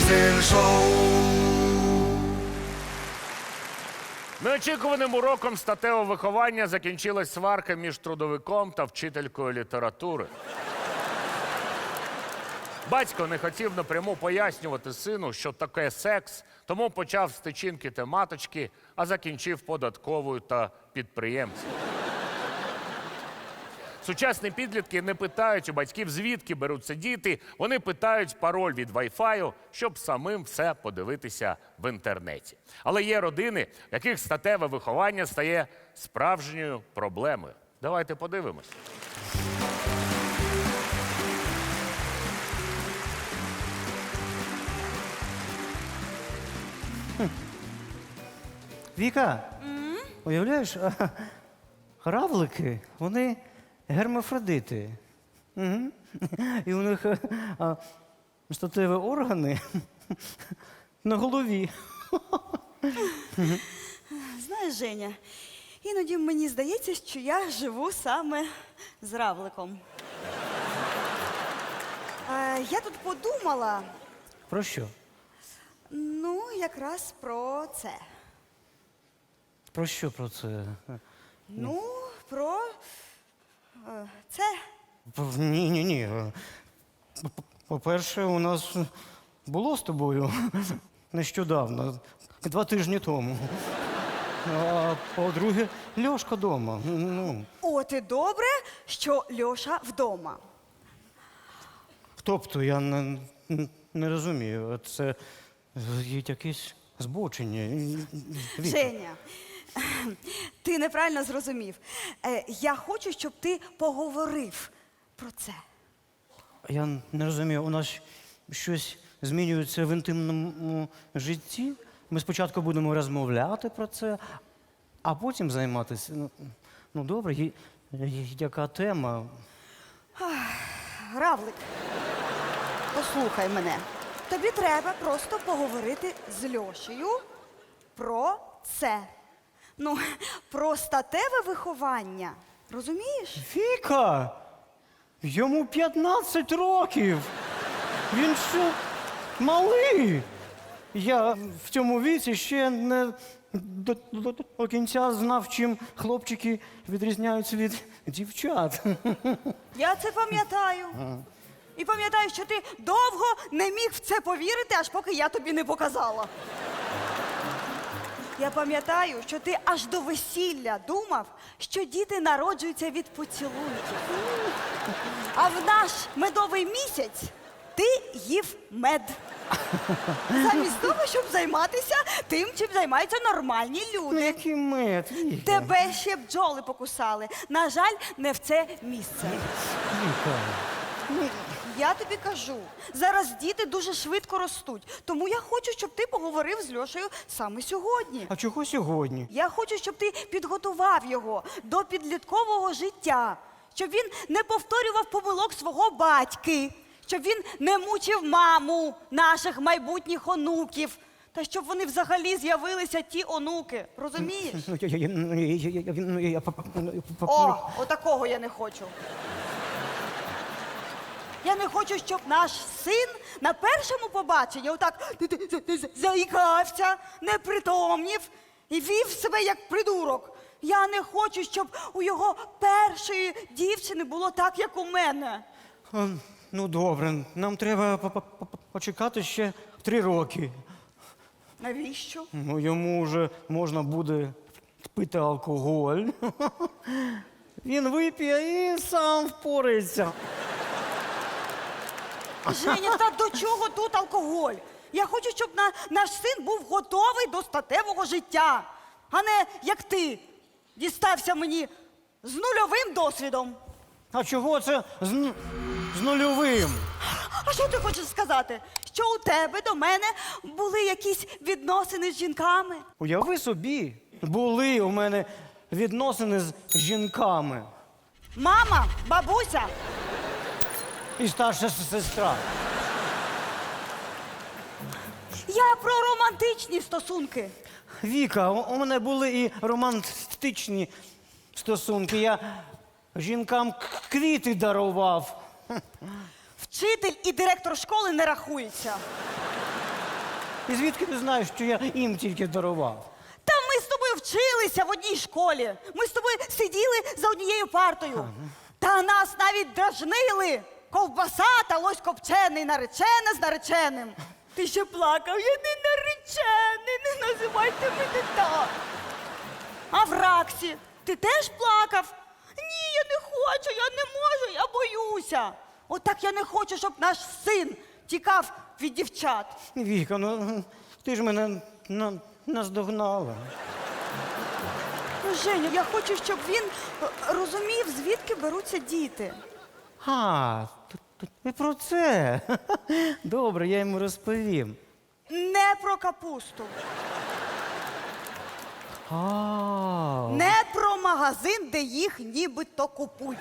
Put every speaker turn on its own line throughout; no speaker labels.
Diesel Show.
Неочікуваним уроком статевого виховання закінчилась сварка між трудовиком та вчителькою літератури. Батько не хотів напряму пояснювати сину, що таке секс, тому почав з тичинки та маточки, а закінчив податковою та підприємцем. Сучасні підлітки не питають у батьків, звідки беруться діти. Вони питають пароль від Wi-Fi, щоб самим все подивитися в інтернеті. Але є родини, в яких статеве виховання стає справжньою проблемою. Давайте подивимось.
Віка, уявляєш, равлики, вони гермафродити. Угу. І у них статеві органи на голові.
Знаєш, Женя, іноді мені здається, що я живу саме з равликом. Я тут подумала,
Про що?
ну, якраз про це.
Про що про це?
Ну, про це.
Ні. По-перше, у нас було з тобою нещодавно, 2 тижні тому. А по-друге, Льошка вдома. Ну,
От і добре, що Льоша вдома.
тобто, я не розумію, це якесь збочення. Віка.
Женя, ти неправильно зрозумів. Я хочу, щоб ти поговорив про це.
Я не розумію, у нас щось змінюється в інтимному житті. Ми спочатку будемо розмовляти про це, а потім займатися. Ну добре, яка тема?
Равлик, послухай мене. Тобі треба просто поговорити з Льошею про це. Ну, про статеве виховання. Розумієш?
Віка! Йому 15 років! Він що, малий? Я в цьому віці ще не до кінця знав, чим хлопчики відрізняються від дівчат.
Я це пам'ятаю. І пам'ятаю, що ти довго не міг в це повірити, аж поки я тобі не показала. Я пам'ятаю, що ти аж до весілля думав, що діти народжуються від поцілунків. А в наш медовий місяць ти їв мед. Замість того, щоб займатися тим, чим займаються нормальні люди.
Який мед, Віка.
Тебе ще бджоли покусали. На жаль, не в це місце.
Віка.
Я тобі кажу, зараз діти дуже швидко ростуть. Тому я хочу, щоб ти поговорив з Льошею саме сьогодні.
А чого сьогодні?
Я хочу, щоб ти підготував його до підліткового життя. Щоб він не повторював помилок свого батьки. Щоб він не мучив маму наших майбутніх онуків. Та щоб вони взагалі з'явилися ті онуки. Розумієш? О, отакого я не хочу. Я не хочу, щоб наш син на першому побаченні отак заїкався, непритомнів і вів себе як придурок. Я не хочу, щоб у його першої дівчини було так, як у мене.
Ну, добре, нам треба почекати ще 3 роки.
Навіщо?
Ну, йому вже можна буде пити алкоголь. Він вип'є і сам впорається.
Женя, та до чого тут алкоголь? Я хочу, щоб наш син був готовий до статевого життя, а не, як ти, дістався мені з нульовим досвідом.
А чого це з нульовим?
А що ти хочеш сказати? Що у тебе до мене були якісь відносини з жінками?
Уяви собі, були у мене відносини з жінками.
Мама, бабуся?
І старша сестра.
Я про романтичні стосунки.
Віка, у мене були і романтичні стосунки. Я жінкам квіти дарував.
Вчитель і директор школи не рахуються.
І звідки ти знаєш, що я їм тільки дарував?
Та ми з тобою вчилися в одній школі. Ми з тобою сиділи за однією партою. Та нас навіть дражнили. Ковбаса та лось копчений, наречена з нареченим. Ти ще плакав, я не наречений, не називайте мене так. А в Раксі ти теж плакав? Ні, я не хочу, я не можу, я боюся. Отак я не хочу, щоб наш син тікав від дівчат.
Віка, ну ти ж мене наздогнала.
Ну, Женя, я хочу, щоб він розумів, звідки беруться діти.
Ти про це. Добре, я йому розповім.
Не про капусту,
А,
не про магазин, де їх нібито купують.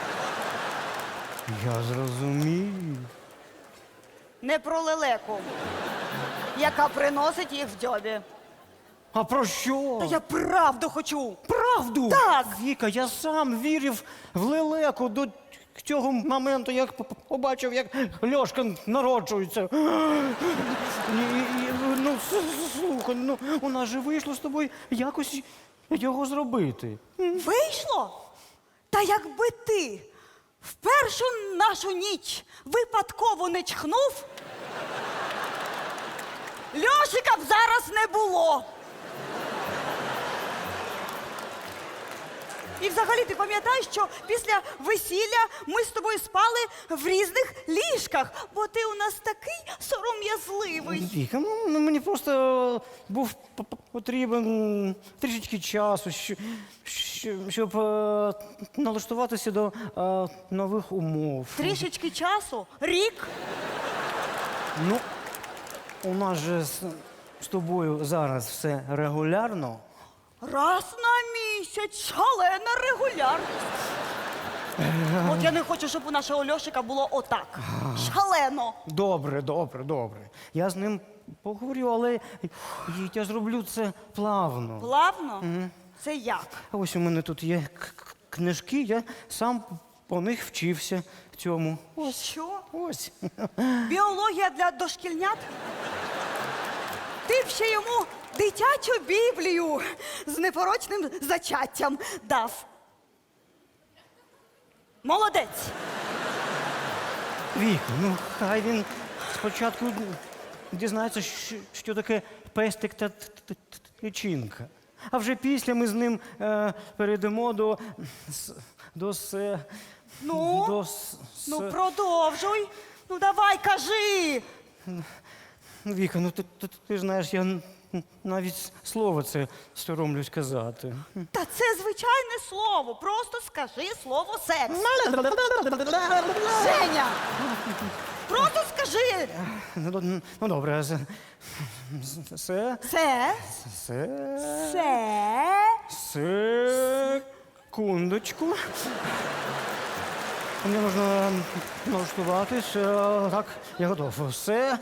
я зрозумів.
Не про лелеку, яка приносить їх в дзьобі.
А про що?
Та я правду хочу.
Правду?
Так.
Віка, я сам вірив в лелеку до цього моменту, як побачив, як Льошка народжується. Ну, слухай, ну, у нас же вийшло з тобою якось його зробити.
Вийшло? Та якби ти в першу нашу ніч випадково не чхнув, Льошика б зараз не було. І взагалі ти пам'ятаєш, що після весілля ми з тобою спали в різних ліжках, бо ти у нас такий сором'язливий.
Віка, ну мені просто був потрібен трішечки часу, щоб налаштуватися до нових умов.
Трішечки часу? Рік?
Ну, у нас же з тобою зараз все регулярно.
Раз на місяць, шалена регулярність. От я не хочу, щоб у нашого Льошика було отак. Шалено.
Добре. Я з ним поговорю, але я зроблю це плавно.
Плавно? Це як?
А ось у мене тут є книжки, я сам по них вчився в цьому.
Що?
Ось.
Біологія для дошкільнят? Ти б ще йому дитячу Біблію з непорочним зачаттям дав. Молодець.
Віка, ну хай він спочатку дізнається, що таке пестик та тичинка. А вже після ми з ним перейдемо до
Ну, продовжуй. Ну, давай, кажи.
Віка, ну ти ж знаєш, я навіть слово це соромлюсь казати.
Та це звичайне слово. Просто скажи слово секс. Женя! Просто скажи.
Ну добре,
Це.
Секундочку. Мені можна налаштуватись. Так, я готов.
Це.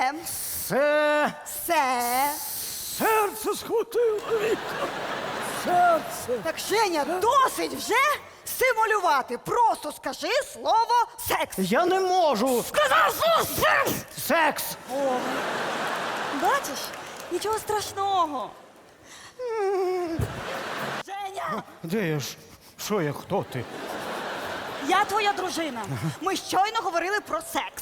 Серце схватило, Віка. Серце.
Так, Женя, досить вже симулювати. Просто скажи слово секс.
Я не можу.
Сказав слово секс!
Секс.
О, бачиш? Нічого страшного. Женя!
Де я ж? Що я, хто ти?
Я твоя дружина. Ми щойно говорили про секс.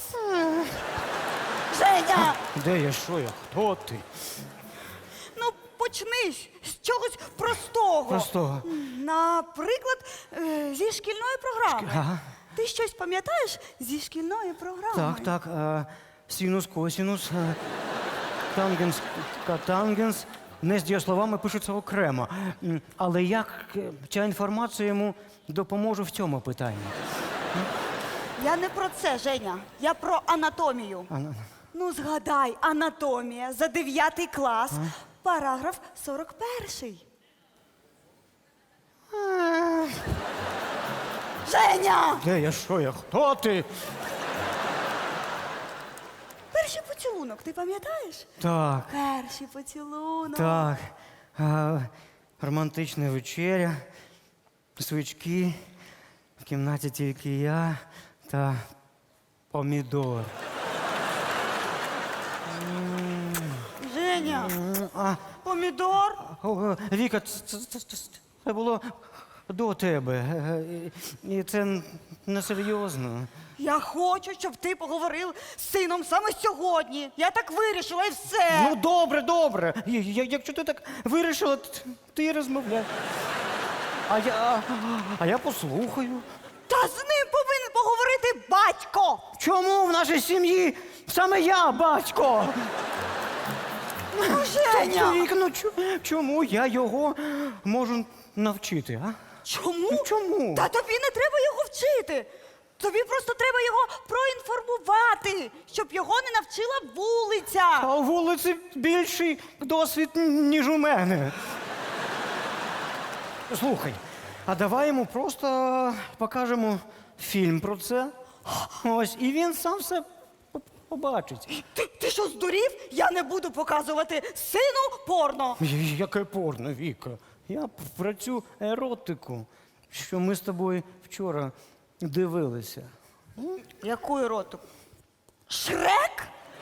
Женя!
Де я, що я, хто ти?
Ну, почни з чогось простого.
Простого.
Наприклад, зі шкільної програми.
Ага.
Ти щось пам'ятаєш зі шкільної програми?
Так. Синус, косинус, тангенс, катангенс. Не з дієсловами пишуться окремо. Але як ця інформація йому допоможе в цьому питанні?
Я не про це, Женя. Я про анатомію. Ну, згадай, анатомія за 9 клас, параграф 41. Женя!
Де я, що я, хто ти?
Перший поцілунок, ти пам'ятаєш?
Так,
Перший поцілунок.
так. Романтична вечеря, свічки, в кімнаті тільки я та помідор.
Женя, помідор?
Віка, це було до тебе. І це несерйозно.
Я хочу, щоб ти поговорив з сином саме сьогодні. Я так вирішила і все.
Ну, добре, добре. Якщо ти так вирішила, ти і розмовляй. А я послухаю.
Та з ним повинен поговорити батько.
Чому в нашій сім'ї саме я, батько?
Ну, Женя.
Вік, ну чому я його можу навчити, а?
Чому?
Ну, чому?
Та тобі не треба його вчити. Тобі просто треба його проінформувати, щоб його не навчила вулиця.
А у вулиці більший досвід, ніж у мене. Слухай, а давай йому просто покажемо фільм про це. Ось, і він сам все побачить.
Ти що, здурів? Я не буду показувати сину порно.
Яке порно, Віка? Я про цю еротику, що ми з тобою вчора дивилися.
Яку еротику? Шрек?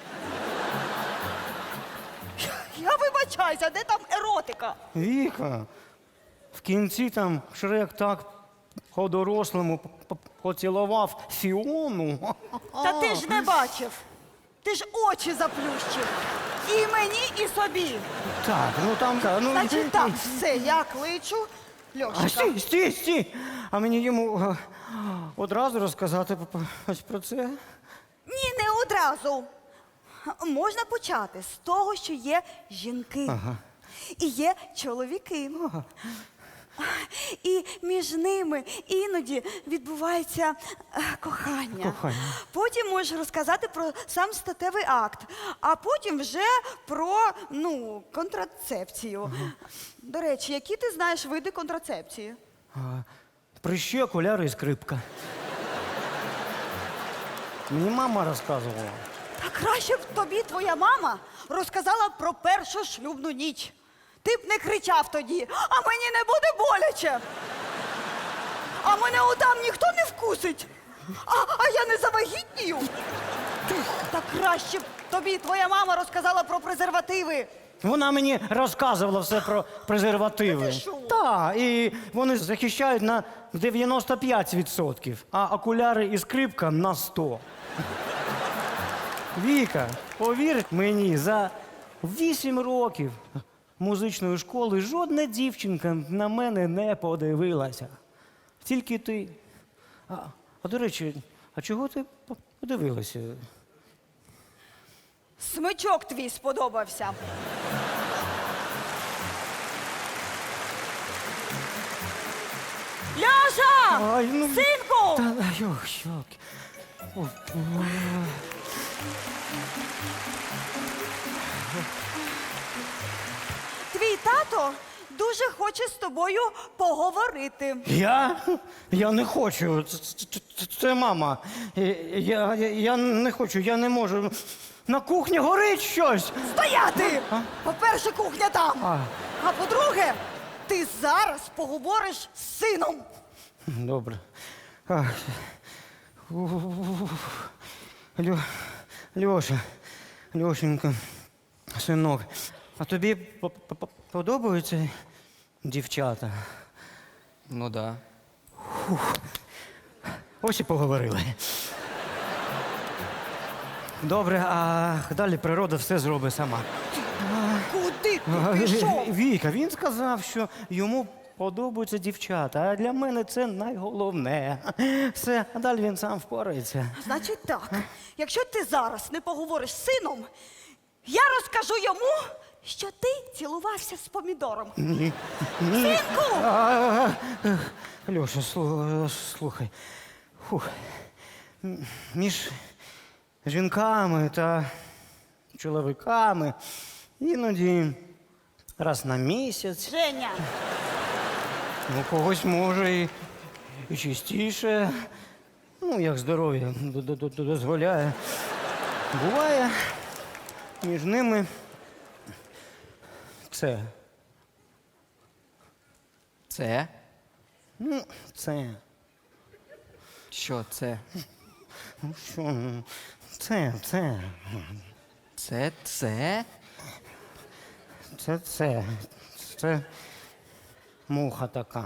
Я вибачаюся, де там еротика?
Віка, в кінці там Шрек так по-дорослому поцілував Фіону.
Та ти ж не бачив. Ти ж очі заплющив. І мені, і собі.
Так, ну там, ну...
Значить так, все, я кличу
А
Льошика.
стій! А мені йому одразу розказати ось про це?
Ні, не одразу. Можна почати з того, що є жінки. І є чоловіки. І між ними іноді відбувається кохання.
Кохання.
Потім можеш розказати про сам статевий акт, а потім вже про контрацепцію. До речі, які ти знаєш види контрацепції?
Прищі, окуляри і скрипка. Мені мама розказувала.
Та краще б тобі твоя мама розказала про першу шлюбну ніч. Ти б не кричав тоді, а мені не буде боляче. А мене отам ніхто не вкусить. А я не завагітнію. Та краще б тобі твоя мама розказала про презервативи.
Вона мені розказувала все про презервативи.
Та ти що?
Так, і вони захищають на 95%, а окуляри і скрипка на 100%. Віка, повір мені, за 8 років музичної школи жодна дівчинка на мене не подивилася. Тільки ти. А до речі, а чого ти подивилася?
Смичок твій сподобався. Ляша!
Ай, ну,
Синку!
Та, йолки.
Твій тато дуже хоче з тобою поговорити.
Я не хочу. Це мама. Я не хочу, я не можу. На кухні горить щось.
Стояти! По-перше, кухня там. А по-друге, ти зараз поговориш з сином.
Добре. Льоша, Льошенька, синок, а тобі подобаються дівчата?
Ну да.
Ось і поговорили. Добре, а далі природа все зробить сама.
Куди ти пішов?
Віка, він сказав, що йому подобаються дівчата, а для мене це найголовне. Все, а далі він сам впорається.
Значить так, якщо ти зараз не поговориш з сином, я розкажу йому, що ти цілувався з помідором.
Ні.
Синку!
Льоша, слухай. Фух. Між жінками та чоловіками іноді раз на місяць,
Женя,
у когось може і частіше, ну, як здоров'я дозволяє. Буває між ними це.
Це?
Ну, це.
Що це?
Ну що, це.
Це?
Це муха така.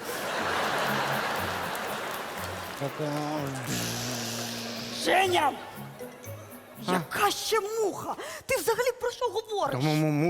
Така.
Женя! Яка ще муха? Ти взагалі про що говориш?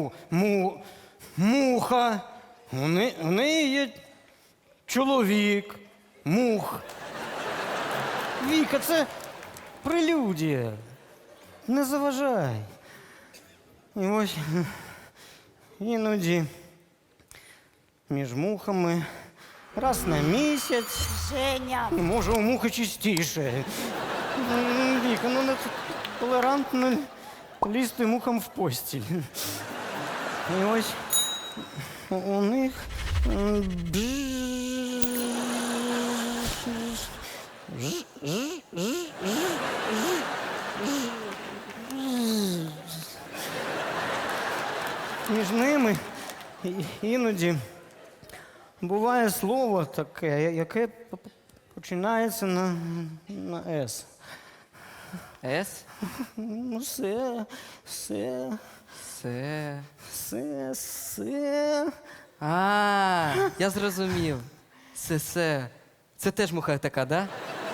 Муха. У неї є чоловік. Мух. Віка, це прелюдія. Не заважай. І ось іноді між мухами раз на місяць.
Женя!
Може, у мухи чистіше. Віка, не толерантно лізти мухам в постіль. І ось у них між ними іноді буває слово таке, яке починається на «С».
С?
Ну, все.
А, я зрозумів. Се. Це теж муха така, да?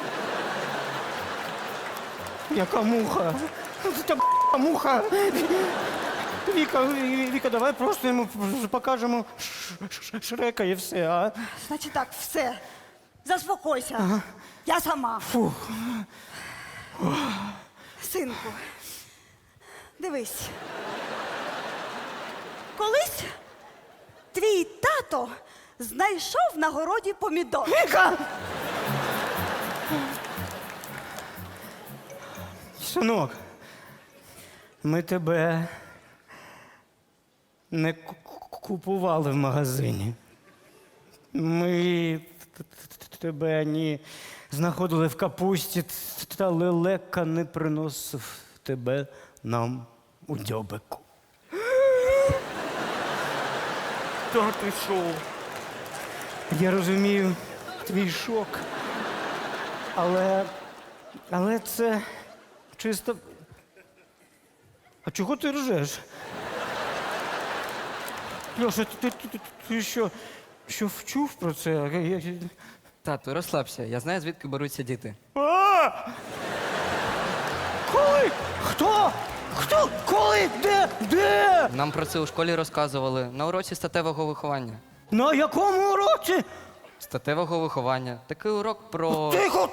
Яка муха? Це муха. Віка, давай просто йому покажемо Шрека і все, а?
Значить так, все. Заспокойся. Я сама.
Фух.
Синку, дивись. Колись твій тато знайшов на городі помідор.
Віка! Синок, ми тебе не купували в магазині. Ми тебе ні знаходили в капусті, та лелека не приносив тебе нам у дзьобику.
Та ти що?
Я розумію твій шок, але це чисто. А чого ти ржеш? Льоша, ти що вчув про це?
Тату, розслабся, я знаю, звідки беруться діти.
А! Коли? Хто? Коли? Де?
Нам про це у школі розказували на уроці статевого виховання.
На якому уроці?
Статевого виховання. Такий урок про.
Тихо!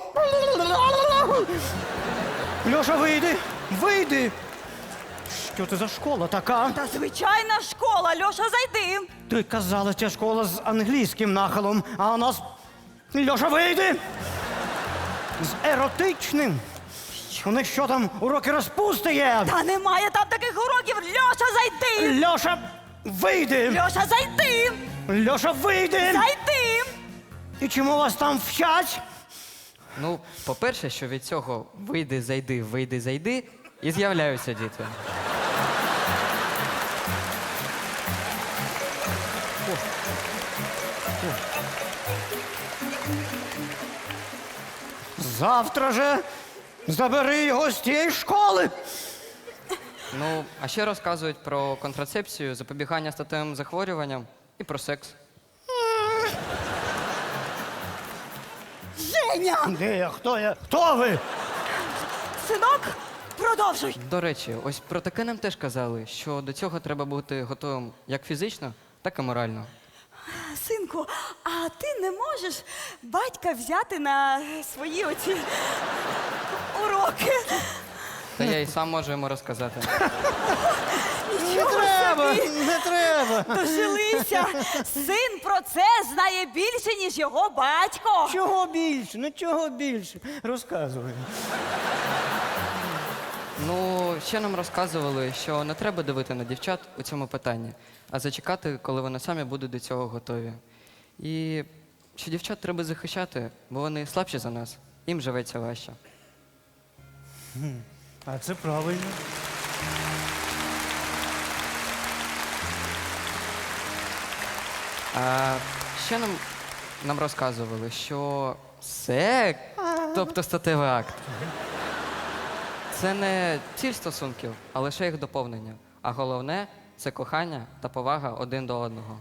Льоша, вийди! Що це за школа така?
Та звичайна школа, Льоша, зайди.
Ти казала, ця школа з англійським нахилом, а у нас... Льоша, вийди! З еротичним. У них що там, уроки розпусти є?
Та немає там таких уроків. Льоша, зайди.
Льоша, вийди!
Льоша, зайди.
Льоша, вийди!
Зайди.
І чому вас там вчать?
Ну, по-перше, що від цього вийди, зайди, і з'являються діти.
Завтра же забери його з тієї школи!
Ну, а ще розказують про контрацепцію, запобігання статевим захворюванням і про секс.
Женя.
Де я? Хто я? Хто ви?
Синок, продовжуй.
До речі, ось про таке нам теж казали, що до цього треба бути готовим як фізично, так і морально.
Синку, а ти не можеш батька взяти на свої оці уроки?
Та я і сам можу йому розказати.
Нічого собі.
Не треба!
Дожилися. Син про це знає більше, ніж його батько.
Чого більше? Ну чого більше? Розказуй.
Ну, ще нам розказували, що не треба давити на дівчат у цьому питанні, а зачекати, коли вони самі будуть до цього готові. І що дівчат треба захищати, бо вони слабші за нас, їм живеться важче.
А це правильно.
А ще нам розказували, що секс, тобто статевий акт, це не ціль стосунків, а лише їх доповнення. А головне це кохання та повага один до одного.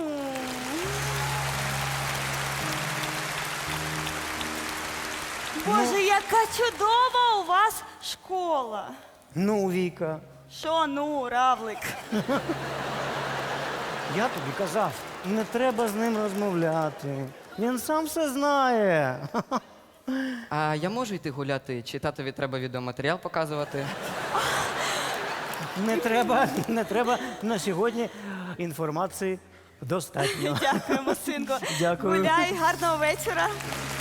Боже, яка чудова у вас школа.
Ну, Віка,
Що ну, равлик?
я тобі казав, не треба з ним розмовляти. Він сам все знає.
А я можу йти гуляти, чи татові треба відеоматеріал показувати?
Не треба на сьогодні інформації достатньо.
Дякуємо, синку.
Дякую.
Гуляй, гарного вечора.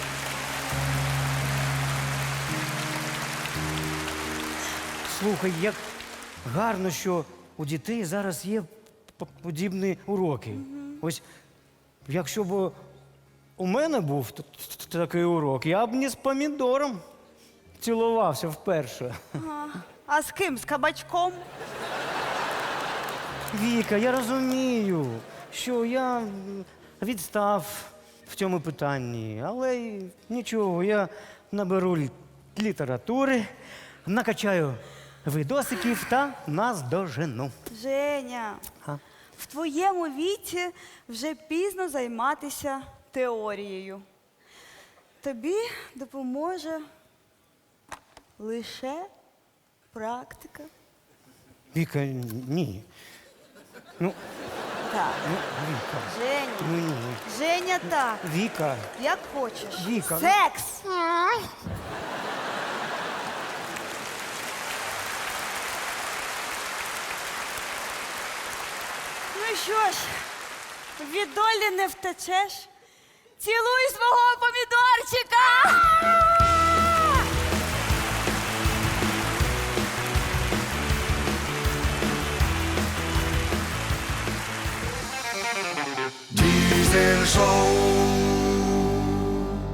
Слухай, як гарно, що у дітей зараз є подібні уроки. Ось якщо б у мене був такий урок, я б не з помідором цілувався вперше.
А з ким? З кабачком?
Віка, я розумію, що я відстав в цьому питанні, але й нічого, я наберу літератури, накачаю видосиків та наздожену.
Женя,
А?
в твоєму віці вже пізно займатися теорією. Тобі допоможе лише практика.
Віка, ні. Ну,
Так.
Віка,
Женя.
ну ні.
Женя, так.
Віка,
Як хочеш.
Віка, ну-
Секс! Ну що ж, від долі не втечеш. Цілуй свого помідорчика!
Diesel Show.